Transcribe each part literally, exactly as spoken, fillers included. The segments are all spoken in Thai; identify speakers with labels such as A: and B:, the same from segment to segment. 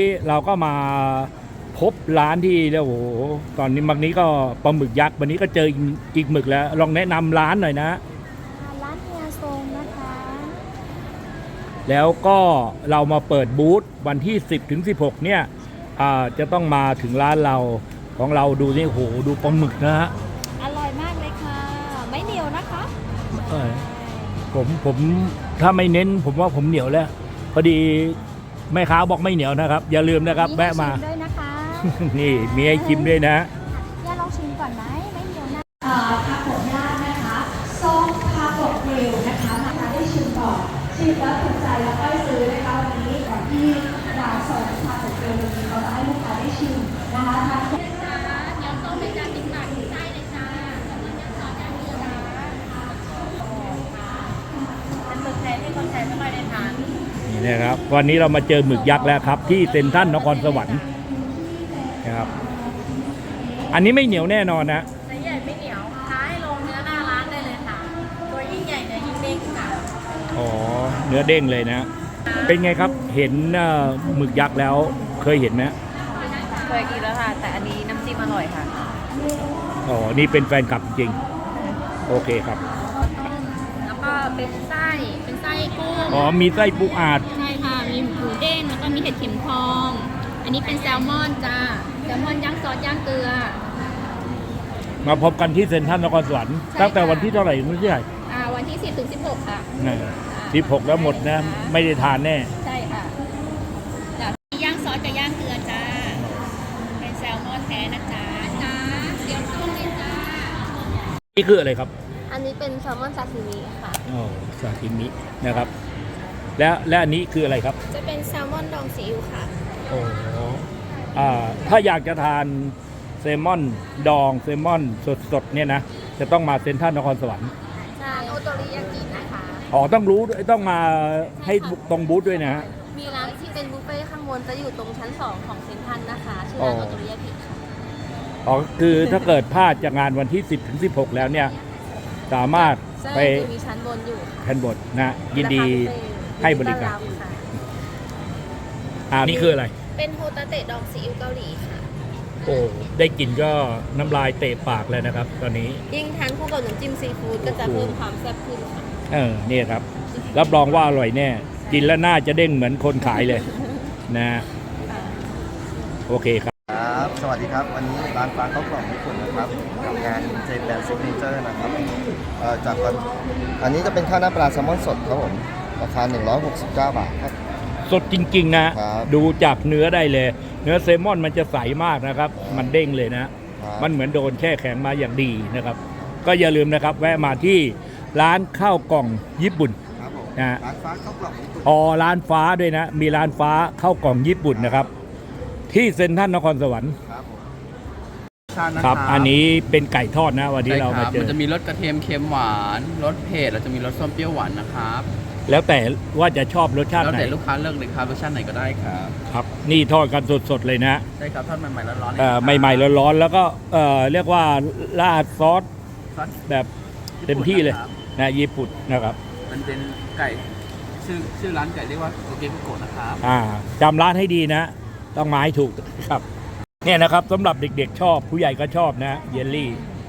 A: เราก็มาพบร้านที่แล้วโอ้โหตอนนี้บางนี้ก็ปลาหมึกยักษ์วันนี้ก็เจออีกหมึกแล้วลองแนะนำร้านหน่อยนะ
B: ร้านเฮียทรงนะคะ
A: แล้วก็เรามาเปิดบูธวันที่สิบถึงสิบหกเนี่ยจะต้องมาถึงร้านเราของเราดูนี่โหดูปลาหมึกนะฮะ
B: อร่อยมากเลยค่ะ ไม่เหนียวนะคะ
A: เออผมผมถ้าไม่เน้นผมว่าผมเหนียวแล้วพอดีแม่ค้าบอกไม่เหนียวนะครับ อย่าลืมนะครับแวะมา
B: ชิด้วยนะคะ
A: นี่มีให้ชิมด้วยนะ
B: ย่าลองชิมก่อนไหมไม่เหนียวนะ
C: เอ่อคาโกะย่างนะคะส้มคาโกะกริลนะคะมาได้ชิมก่อนชิมแล้วถูกใจแล้วก็ซื้อนะคะวันนี้ก่อนที่เราส่งคาโกะกริลวันนี้เราจะให้ลูกค้าได้ชิมนะคะทาน
B: เดี๋ยวต้มเป็นจานติ๊กตักใช่เลยจ้าเป็นหมึกแท้ที่คนไทยไม่ค่อยได้ทาน
A: นี่นะครับวันนี้เรามาเจอหมึกยักษ์แล้วครับ ที่เซ็นทรัลนครสวรรค์นะครับอันนี้ไม่เหนียวแน่นอนนะ
B: ไซส์ใหญ่ไม่เหนียวท้ายลงเนื้อหน้าร้านได้เลยค่ะ ตัวยิ่งใหญ่เนื้อยิ่งเด้งค่ะ
A: อ๋อเนื้อเด้งเลยนะ เป็นไงครับเห็นหมึกยักษ์แล้วเคยเห็นไหม
B: เคยกินแล้วค่ะ แต่อันนี้น้ำจิ้มอร่อยค่ะ
A: อ๋อนี่เป็นแฟนคลับจริงโอเคครับ
B: แล้วก็เป็นไส้ เป็นไส้กุ้ง
A: อ๋อมีไส้ปูอาด
B: ใช่ค่ะ มีหมูเด้งแล้วก็มีเห็ดเข็มทอง อันนี้เป็นแซลมอนจ้า แซลมอนย่างซอสย่างเกลือ
A: มาพบกันที่เซ็นทรัลนครสวรรค์
B: ใช่
A: ตั้งแต่
B: ค่ะ
A: วันที่เท่าไหร่ไม่ใช่
B: อ่าวันที่สิบถึงสิบหกค่ะ
A: สิบหกแล้วหมดนะไม่ได้ทานแน่
B: ใช่ค่ะจ้ะย่างซอสกับย่างเกลือจ้า เป็นแซลมอนแท้นะจ๊ะจ้าเดี๋ยวต้มเลยจ้า
A: นี่คืออะไรครับ
B: อันนี้เป็นแซลมอนซาซิมิค่ะ
A: อ๋อซาซิมินะครับ แล้วและอันนี้คืออะไรครับ
B: จะเป็นแซลมอนดองซีอิ๊วค่ะ
A: โอ้อ่าถ้าอยากจะทานเซลมอนดองเซลมอนสดๆเนี่ยนะจะต้องมาเซ็นทรัลนครสวรรค์
B: ใช่โอโตริยากินะคะ
A: อ๋อต้องรู้ด้วยต้องมาให้ตรงบูธด้วยนะฮะ
B: มีร้านที่เป็นบุฟเฟ่ต์ข้างบนจะอยู่ตรงชั้นสองของเซ็นทรัลนะคะ ชื่อ
A: อ๋อ
B: ร้านโอโตริยากิค่ะ
A: อ๋อคือถ้าเกิดพลาดจากงานวันที่สิบถึงสิบหกแล้วเนี่ยสามารถ
B: ใช่
A: ไป
B: จะมีชั้นบนอยู่ค่ะ
A: แทนบทนะยินดี
B: ราคาพิเศษ
A: ให้บริการ
B: ยินดีต้อนบค่ะ
A: อ่านี่คืออะไร
B: เป็นโฮตาเตะดองซีอิ๊วเกาหลีค่ะ
A: โอ้ได้กลิ่นก็น้ำลายเตะปากเลยนะครับ ตอนนี้
B: ยิ่งทานคู่กับน้ำจิ้มซีฟู้ดก็จะเพิ่มความแซ่บขึ้นค่ะ
A: เออเนี่ยครับ รับรองว่าอร่อยแน่ กินแล้วน่าจะเด้งเหมือนคนขายเลยนะโอเคครับ
D: ครับ สวัสดีครับ วันนี้ร้านปลาข้าวกล่องญี่ปุ่นนะครับกับงานเจแปนซิกเนเจอร์นะครับเอ่อจากวันอันนี้จะเป็นข้าวหน้าปลาแซลมอนสดครับผม ราคา หนึ่งร้อยหกสิบเก้า บาทครับ
A: สดจริงๆนะ
D: ครับ
A: ดูจากเนื้อได้เลย เนื้อเซลมอนมันจะใสมากนะครับ มันเด้งเลยนะ
D: ครับ
A: มันเหมือนโดนแช่แข็งมาอย่างดีนะครับ ก็อย่าลืมนะครับ แวะมาที่ร้านข้าวกล่องญี่ปุ่น
D: ครับผม
A: นะ
D: ร้านฟ้าข้าวกล่องญี่ปุ่น
A: อ๋อร้านฟ้าด้วยนะ มีร้านฟ้าข้าวกล่องญี่ปุ่นนะครับ ที่เซ็นทรัลนครสวรรค์
D: ครับผม
A: ครับ อันนี้เป็นไก่ทอดนะวันนี้
E: ใช่
A: เรา
E: ค
A: มา
E: รับ
A: เจ
E: มัน
A: อ
E: จะมีรสกระเทียมเค็มหวานรสเผ็ดแล้วจะมีรสส้มเปรี้ยวหวานนะครับ
A: แล้วแต่ว่าจะชอบรสชาติ
E: แล้ว
A: ไหน
E: แต่ลูกค้าเลือกเลยครับรสชาติไหนก็ได้ครับ
A: ครับ นี่ทอดกันสดๆเลยนะ
E: ใช่ครับทอดใหม่ๆร้อนๆเลย
A: เอ่อ
E: ครับ
A: ใหม่ๆร้อนๆแล้วก็เอ่อเรียกว่าราดซอส
E: ซอส
A: แบบเต็มที่เลย
E: ครับ
A: นะญี่ปุ่นนะครับ
E: มันเป็นไก่ชื่อชื่อร้านไก่เรียกว่าโอเกะโกะนะครับ
A: อ่าจำร้านให้ดีนะ ต้องมาให้ถูกครับเนี่ยนะครับสำหรับเด็กๆชอบผู้ใหญ่ก็ชอบนะเยลลี่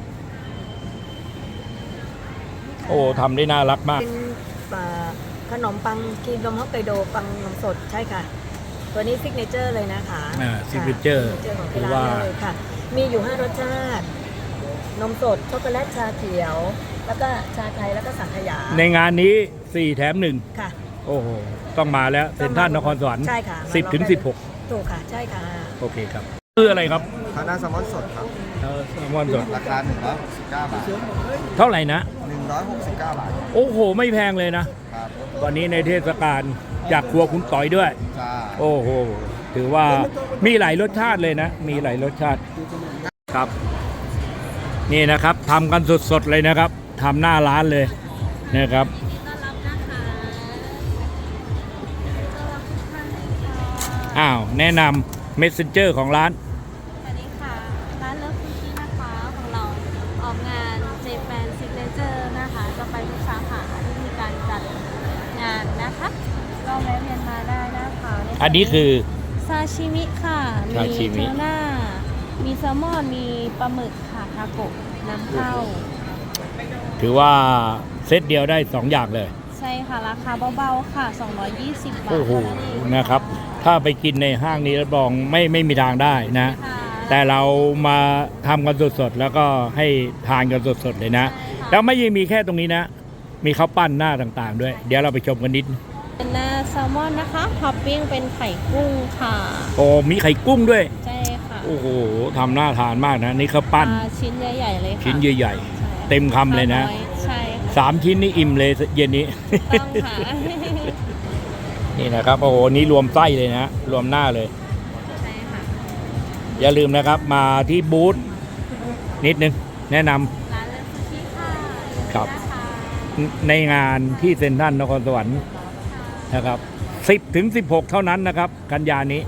A: โอ้ทำได้น่ารักมาก
F: เป็นเอ่อขนมปังครีมนมฮอกไกโดปังนมสดใช่ค่ะ ตัวนี้ซิกเนเจอร์เลยนะคะ
A: อ่า signature
F: ซิกเนเจอร์ของ
A: หรื
F: ที่
A: อ
F: ร้า
A: ว่า
F: นเลยค่ะ มีอยู่ ห้ารสชาติ นมสด ช็อกโกแลต ชาเขียว แล้วก็ชาไทย แล้วก็สังขยา
A: ในงานนี้สี่แถมหนึ่ง
F: ค่ะ
A: โอ้โห ต้องมาแล้วเซ็นทรัลนครสวรรค์
F: ใช่ค่ะ
A: สิบถึงสิบหก
F: ถูกค่ะ ใช่ค่ะ
A: โอเคครับคืออะไรครับ
D: ข้าวหน้าแซลมอนสดครับ
A: เอ่อแซลมอนสด
D: ราคา หนึ่งร้อยหกสิบเก้า บาท
A: เท่าไหร่นะ
D: หนึ่งร้อยหกสิบเก้า บาท
A: โอ้โห ไม่แพงเลยนะ
D: ครับ
A: วันนี้ในเทศกาลจากครัวคุณต่อยด้วย
D: จ้า
A: โอ้โห ถือว่ามีหลายรสชาติเลยนะ มีหลายรสชาติครับ นี่นะครับทำกันสดๆเลยนะครับทำหน้าร้านเลยนะครับ
B: ต้อนรับนะคะ
A: อ้าว แนะนำ messenger ของร้าน
B: สวัสดีค่ะ ร้านเลิฟคุกกี้นะคะของเราออกงานเจแปนซิกเนเจอร์นะคะ จะไปทุกสาขาที่มีการจัดงานนะคะ ก็แวะเวียนมาได้นะคะ
A: อันนี้คือ
B: ไซซาชิมิค่ะ มี
A: ซาชิมิ
B: ทูน่า มีแซลมอน มีปลาหมึกค่ะ ทาโกะน้ำเข้า
A: ถือว่าเซตเดียวได้สองอย่างเลย
B: ใช่ค่ะ ราคาเบาๆค่ะ สองร้อยยี่สิบ บาท
A: โอ้โห
B: เท่านั้นเอง
A: นะครับ ถ้าไปกินในห้างนี้รับรองไม่ไม่มีทางได้นะ
B: ค่ะ
A: แต่เรามาทำกันสดๆ แล้วก็ให้ทานกันสดๆ เลยนะ
B: ใช่ค่ะ
A: แล้วไม่ยังมีแค่ตรงนี้นะ มีข้าวปั้นหน้าต่างๆ ด้วย เดี๋ยวเราไปชมกันนิด
B: เป็นหน้าแซลมอนนะคะท็อปปิ้งเป็นไข่กุ้งค่ะ
A: โอ้มีไข่กุ้งด้วย
B: ใช่ค่ะ
A: โอ้โหทำน่าทานมากนะ นี่ข้าวปั้น
B: ปลาชิ้นใหญ่ๆเลยค่ะ
A: ชิ้นใหญ่
B: ใช่
A: ๆ เต็มคำเลยนะ
B: ปาอยใช่ค่ะ
A: สามชิ้นนี่อิ่มเลยเย็นนี้
B: ต้องค่ะ
A: นี่นะครับ โอ้โห นี่รวมไส้เลยนะ รวมหน้าเลย
B: ใช่ค่ะ
A: อย่าลืมนะครับ มาที่บูธนิดนึง แนะนำ
B: ร้านเลิฟซูชิค่ะ
A: ครับ
B: นะคะ
A: ในงานที่เซ็นทรัลนครสวรรค์นะครับ สิบถึงสิบหก เท่านั้นนะครับ กันยานี้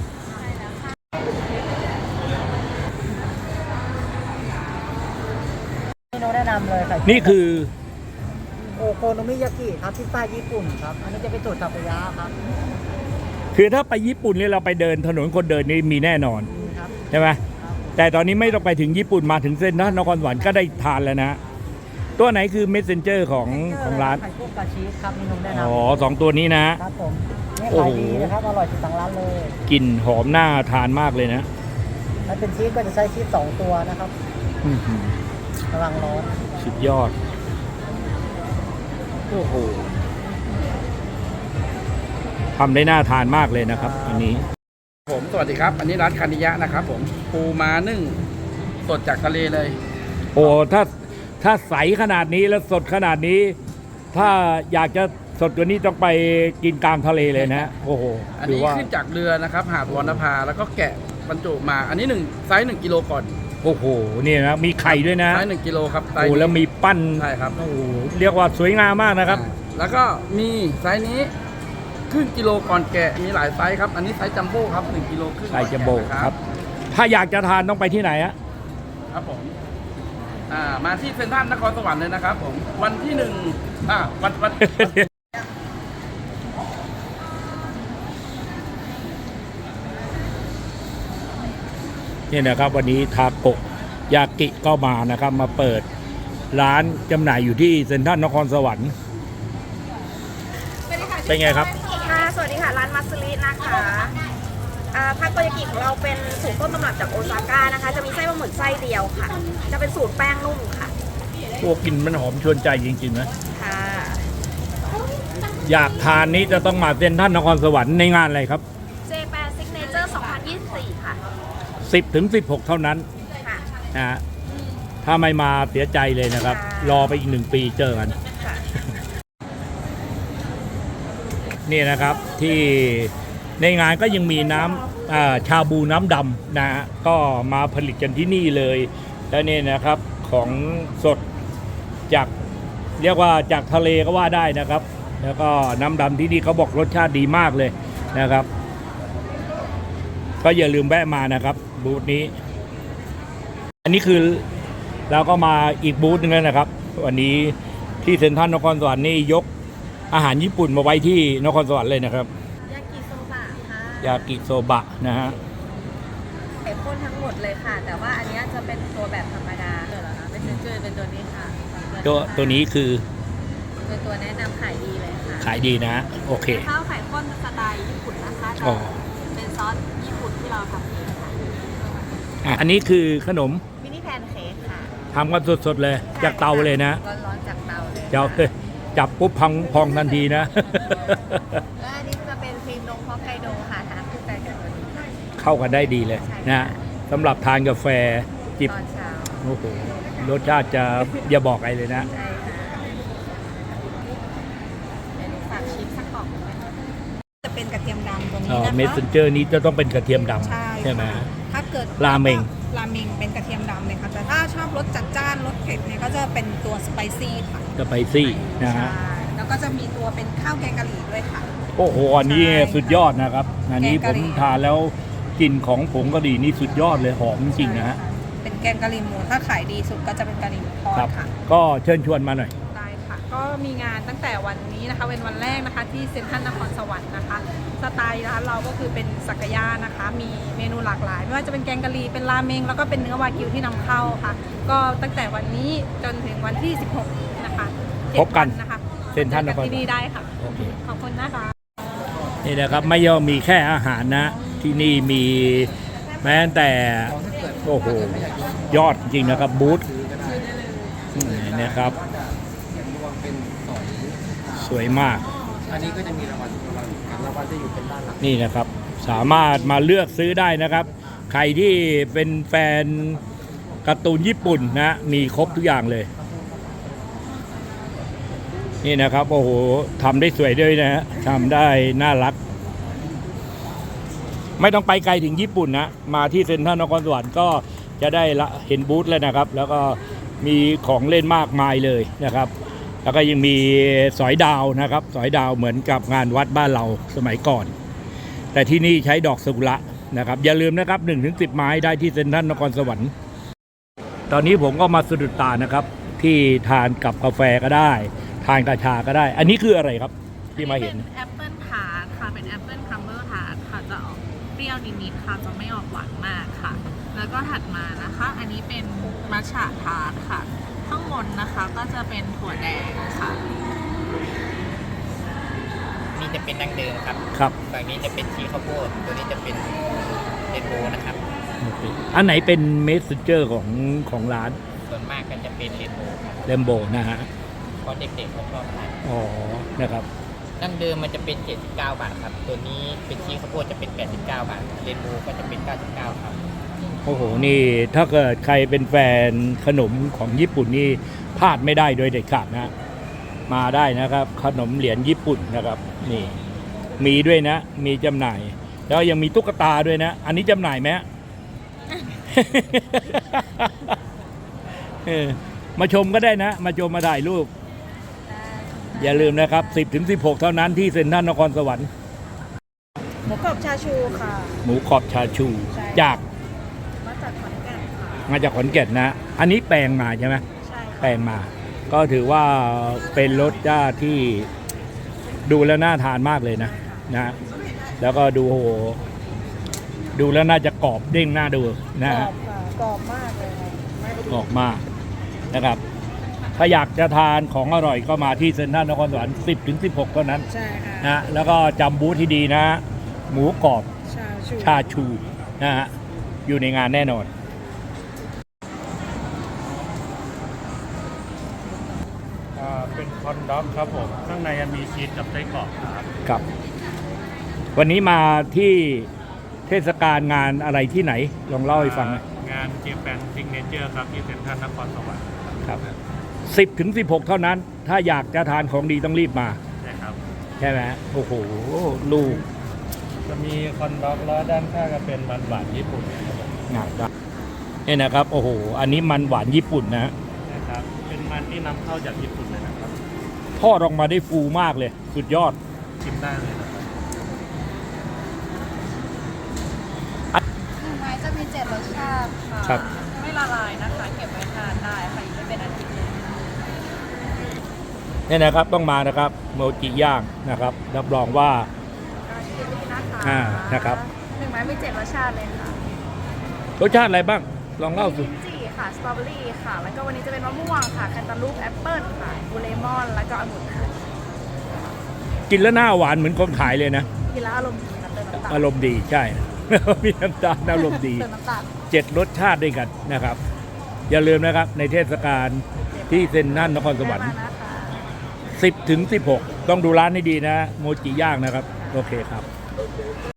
F: เมนูแนะนำเลยค่ะ
A: นี่คือ
F: โอโคโนมิยากิครับพิซซ่าญี่ปุ่นครับ อันนี้จะเป็นสูตรทาโกยะครับ
A: คือถ้าไปญี่ปุ่นเนี่ยเราไปเดินถนนคนเดินนี่มีแน่นอน
F: นี่ครับ
A: ใช่ไหมแต่ตอนนี้ไม่ต้องไปถึงญี่ปุ่นมาถึงเซ็นทรัลนครสวรรค์ก็ได้ทานแล้วนะ ตัวไหนคือเมสเซนเจอร์ของของร้าน
F: ไข่กุ้งกับชีสครับเมนูแนะน
A: อ๋อสองตัวนี้นะ
F: ำครับผมนี่
A: โอ้
F: ขา
A: โห
F: ยดีนะครับ อร่อยสุดทางร้านเลย
A: กลิ่นหอมน่าทานมากเลยนะ
F: ถ้าเป็นชีสก็จะใช้ชีสสองตัวนะครับ
A: อื้อหือ
F: กำลังร้อน
A: สุดยอด โอ้โหทำได้น่าทานมากเลยนะครับ อันนี้
E: ผมสวัสดีครับ อันนี้ร้านคานิยะนะครับผมปูม้านึ่งสดจากทะเลเลย
A: โอ้ถ้าถ้าใสขนาดนี้แล้วสดขนาดนี้ ถ้าอยากจะสดกว่านี้ต้องไปกินกลางทะเลเลยนะ โอ้โห
E: อัน
A: ถือ
E: นี้
A: ว่า
E: ขึ้นจากเรือนะครับ หาดวรรณภาแล้วก็แกะบรรจุมา อันนี้หนึ่งไซส์หนึ่งกิโลก่อน
A: โอ้โหนี่นะมีไข่ด้วยนะ
E: ไซส์หนึ่งกิโลครับไซ
A: โอ้
E: ส์นี้
A: แล้วมีปั้น
E: ใช่ครับ
A: โอ้โหเรียกว่าสวยงามมากนะครับ
E: อ่าแล้วก็มีไซส์นี้ครึ่งกิโลก่อนแกะมีหลายไซส์ครับ อันนี้ไซส์จัมโบ้ครับหนึ่งกิโลครึ่ง
A: ไข่จัมโบ้
E: ก่อนแกะ
A: ครับ ถ้าอยากจะทานต้องไปที่ไหนอะ
E: ครับผมอ่ามาที่เซ็นทรัลนครสวรรค์เลยนะครับผมวันที่หนึ่งอ่าวันวันวัน
A: นี่นะครับวันนี้ทาโกะยากิก็มานะครับ มาเปิดร้านจำหน่ายอยู่ที่เซ็นทรัลนครสวรรค์เป็นไงครับ
G: ค่ะ สวัสดีค่ะ ร้านมัสลินะคะอ่าทาโกยากิของเราเป็นสูตรต้นตำรับจากโอซาก้านะคะ จะมีไส้ปลาหมึกไส้เดียวค่ะ จะเป็นสูตรแป้งนุ่มค่ะ
A: พวกกินมันหอมชวนใจจริงๆนะ
G: ค่ะ
A: อยากทานนี้จะต้องมาเซ็นทรัลนครสวรรค์ในงานอะไรครับ
G: เจแปนซิกเนเจอร์สองพันยี่สิบสี่ค่ะ
A: สิบถึงสิบหก เท่านั้น
G: ค่ะ
A: นะฮะถ้าไม่มาเสียใจเลยนะครับ
G: ค่ะ
A: รอไปอีกหนึ่งปีเจอกัน
G: ค่ะ
A: นี่นะครับที่ในงานก็ยังมีน้ำอ่าชาบูน้ำดำนะฮะก็มาผลิตกันที่นี่เลย แล้วนี่นะครับของสดจากเรียกว่าจากทะเลก็ว่าได้นะครับ แล้วก็น้ำดำที่นี่เขาบอกรสชาติดีมากเลยนะครับ ก็อย่าลืมแวะมานะครับบูธนี้ อันนี้คือเราก็มาอีกบูธหนึงแล้วนะครับ วันนี้ที่เซ็นทรัลนครสวรรค์นี่ยกอาหารญี่ปุ่นมาไว้ที่นครสวรรค์เลยนะครับ
G: ยากิโซบะค่ะ
A: ยากิโซบะนะฮะ
G: ไข่ข้นทั้งหมดเลยค่ะ แต่ว่าอันนี้จะเป็นตัวแบบธรรมดาเดี๋ยวเหรอคะเป็นเจอเป็นตัวนี้ค่ะ
A: ตัวตัวนี้คือ
G: เป็นตัวแนะนำขายดีเลยค่ะ
A: ขายดีนะโอเค
G: ข้าวไข่ข้นสไตล์ญี่ปุ่นนะคะจะ
A: อ๋อ
G: เป็นซอสญี่ปุ่นที่เราทำเองค่ะ
A: อ่ะอันนี้คือขนม
G: มินิแพนเค้กค่ะ
A: ทำกันสดๆเลยจากเตาเลยนะ
G: ร้อนๆจากเตาเลย
A: เจ้าจับปุ๊บพังพองทันทีนะ
G: และอันนี้จะเป็นครีมนมฮอกไกโดค่ะทานคู่กันกับตัวนี้ค่ะ
A: เข้ากันได้ดีเลยนะสำหรับทานกาแฟจิบ
G: ตอนเช้า
A: โอ้โหรสชาติจะอย่าบอกอะไรเลยนะ
G: ใช่ค่ะเดี๋ยวหนูฝากชิมสักกล่องหนึ่งไหมคะจะเป็นกระเทียมดำตรงนี้นะคะ
A: เมสเซนเจอร์นี้จะต้องเป็นกระเทียมด
G: ใช่
A: ำใช่ไหม
G: ค่ะถ้าเกิด
A: ราเมง
G: ราเมงเป็นกระเทียมดำเลยค่ะ แต่ถ้าชอบรสจัดจ้านรสเผ็ดเนี่ยก็จะเป็นตัวสไปซี่ค่ะ
A: สไปซี่นะ
G: ใช่
A: ฮะ
G: แล้วก็จะมีตัวเป็นข้าวแกงกะหรี่ด้วยค่ะ
A: โอ้โหอันนี้
G: ใช่ค่ะ
A: สุดยอดนะครับ อันนี้
G: แกง
A: ผ
G: กะ
A: ม
G: หรี่
A: ทานแล้วกลิ่นของผงกะหรี่นี่สุดยอดเลยหอมจริงๆนะฮะ
G: เป็นแกงกะหรี่หมูถ้าขายดีสุดก็จะเป็นกะหรี่หมูทอด
A: ครับ
G: ค่ะ
A: ก็เชิญชวนมาหน่อย
G: ได้ค่ะ
H: ก็มีงานตั้งแต่วันนี้นะคะเป็นวันแรกนะคะที่เซ็นทรัลนครสวรรค์นะคะสไตล์ร้านเราก็คือเป็นสักยะนะคะมีเมนูหลากหลายไม่ว่าจะเป็นแกงกะหรี่เป็นราเมงแล้วก็เป็นเนื้อวากิวที่นำเข้าค่ะก็ตั้งแต่วันนี้จนถึงวันที่สิบหกนะคะเจ็ด
A: พบกัน
H: วันะคะ
A: เซ็นทรัลนคร
H: ที่นี่ได้ค่ะ
A: โอเค
H: ขอบคุณนะคะ
A: นี่นะครับไม่ย่อมมีแค่อาหารนะ ที่นี่มีแม้แต่โอ้โหยอดจริงนะครับบูธนี่นะครับสวยมาก
I: อันนี้ก็จะมีรางวัลรางวัลจะอยู่เป็นด้านหลัง
A: นี่นะครับสามารถมาเลือกซื้อได้นะครับ ใครที่เป็นแฟนการ์ตูนญี่ปุ่นนะมีครบทุกอย่างเลย นี่นะครับโอ้โหทำได้สวยด้วยนะฮะทำได้น่ารัก ไม่ต้องไปไกลถึงญี่ปุ่นนะมาที่เซ็นทรัลนครสวรรค์ก็จะได้ละเห็นบูธแล้วนะครับ แล้วก็มีของเล่นมากมายเลยนะครับ แล้วก็ยังมีสอยดาวนะครับสอยดาวเหมือนกับงานวัดบ้านเราสมัยก่อน แต่ที่นี่ใช้ดอกซากุระนะครับอย่าลืมนะครับ หนึ่งถึงสิบ ไม้ได้ที่เซ็นทรัลนครสวรรค์ตอนนี้ผมก็มาสะดุดตานะครับที่ทานกับกาแฟก็ได้ทานกาชาก็ได้ อันนี้คืออะไรครับที่มาเห็น
J: แอปเปิลทาร์ตค่ะเป็นแอปเปิลคัมเบอร์ทาร์ตค่ะจะออกเปรี้ยวนิดๆค่ะจะไม่ออกหวานมากค่ะ แล้วก็ถัดมานะคะ อันนี้เป็นมัทฉะทาร์ตค่ะ ข้างบนนะคะก็จะเป็นถั่วแดงค่ะ
K: นี่จะเป็นดั้งเดิมครับ
A: ครับ
K: ฝั่งนี้จะเป็นชีข้าวโพดตัวนี้จะเป็นเรนโบว์นะครับ
A: โอเคอันไหนเป็นเมสเซนเจอร์ของของร้าน
K: ส่วนมากก็จะเป็นเรนโบว์ครับ
A: เลมโบนะฮะ
K: เพราะเด็กๆเขาชอบทาน
A: อ๋อนะครับ
K: ดั้งเดิมมันจะเป็นเจ็ดสิบเก้าบาทครับตัวนี้เป็นชีข้าวโพดจะเป็นแปดสิบเก้าบาทเรนโบว์ก็จะเป็นเก้าสิบเก้าครับ
A: โอ้โหนี่ถ้าเกิดใครเป็นแฟนขนมของญี่ปุ่นนี่พลาดไม่ได้โดยเด็ดขาดนะมาได้นะครับ ขนมเหรียญญี่ปุ่นนะครับนี่มีด้วยนะ มีจำหน่าย แล้วยังมีตุ๊กตาด้วยนะ อันนี้จำหน่ายไหม เออมาชมก็ได้นะ มาชมมาถ่ายรูปอย่าลืมนะครับ สิบถึงสิบหก เท่านั้นที่เซ็นทรัลนครสวรรค์
G: หมูกรอบชาชูค่ะ
A: หมูกรอบชาชูจาก
G: มาจากขอนแก่นค่ะ
A: มาจากขอนแก่นนะ อันนี้แปลงมาใช่ไหม
G: ใช่ค่ะ
A: แปลงมา ก็ถือว่าเป็นรสชาติที่ดูแล้วน่าทานมากเลยนะนะ แล้วก็ดูโอ้โหดูแล้วน่าจะกรอบเด้งน่าดูนะ
G: กร
A: ฮะ
G: อบค่ะกรอบมากเลยค่ะ
A: กรอบมากนะครับ ถ้าอยากจะทานของอร่อยก็มาที่เซ็นทรัลนครสวรรค์ สิบถึงสิบหก เท่านั้น
G: ใช่ค่ะ
A: นะแล้วก็จำบูธที่ดีนะ หมูกรอบ
G: ชาชู
A: ชาชูนะฮะอยู่ในงานแน่นอน
L: เป็นคอนด็อกครับผม ข้างในมีชีสกับไส้กรอกครับ
A: ครับ วันนี้มาที่เทศกาลงานอะไรที่ไหน ลองเล่าให้ฟังหน่อย
L: งานเจแปนซิกเนเจอร์ครับที่เซ็นทรัลนครสวรรค์
A: ครับ สิบถึงสิบหก เท่านั้น ถ้าอยากจะทานของดีต้องรีบมา
L: นะครับ
A: ใช่ไหมโอ้โห ลูก
L: จะมีคอนด็อกแล้วด้านข้างก็เป็นมันหวานญี่ปุ่นครับผม
A: งานได้เนี่ยนะครับ โอ้โห อันนี้มันหวานญี่ปุ่นนะ
L: นะครับ เป็นมันที่นำเข้าจากญี่ปุ่นเลยนะครับ
A: ทอดออกมาได้ฟูมากเลย สุดยอด
L: ชิมได้เลยนะครับ
B: หนึ่งไม้จะมีเจ็ดรสชาติค่ะ
A: ครับ
B: ไม่ละลายนะคะ เก็บไว้ทานได้ค่ะอยู่ได้เป็นอาทิตย์เลย
A: เนี่ยนะครับต้องมานะครับโมจิย่างนะครับ รับรองว่า
B: ที่นี่นะคะ
A: อ่านะครับ
B: หนึ่งไม้มีเจ็ดรสชาติเลยค่ะ
A: รสชาติอะไรบ้าง ลองเล่าสิ
B: ลิ้นจี่ค่ะ สตรอเบอรี่ค่ะ แล้วก็วันนี้จะเป็นมะม่วงค่ะ แคนตาลูปแอปเปิ้ลค่ะบูเลมอน แล้วก็องุ่นค่ะ
A: กินแล้วหน้าหวานเหมือนคนขายเลยนะ
B: กินแล้วอารมณ์ดีนะเติมน้ำตาล
A: อารมณ์ดีใช่ มีน้ำตาลอารมณ์ดี
B: เติมน้ำตาล
A: เจ็ดรสชาติด้วยกันนะครับ อย่าลืมนะครับในเทศกาลที่เซ็นทรัลนครสวรรค์
B: ได้มานะคะ
A: สิบถึงสิบหก ต้องดูร้านให้ดีนะ โมจิย่างนะครับ โอเคครับ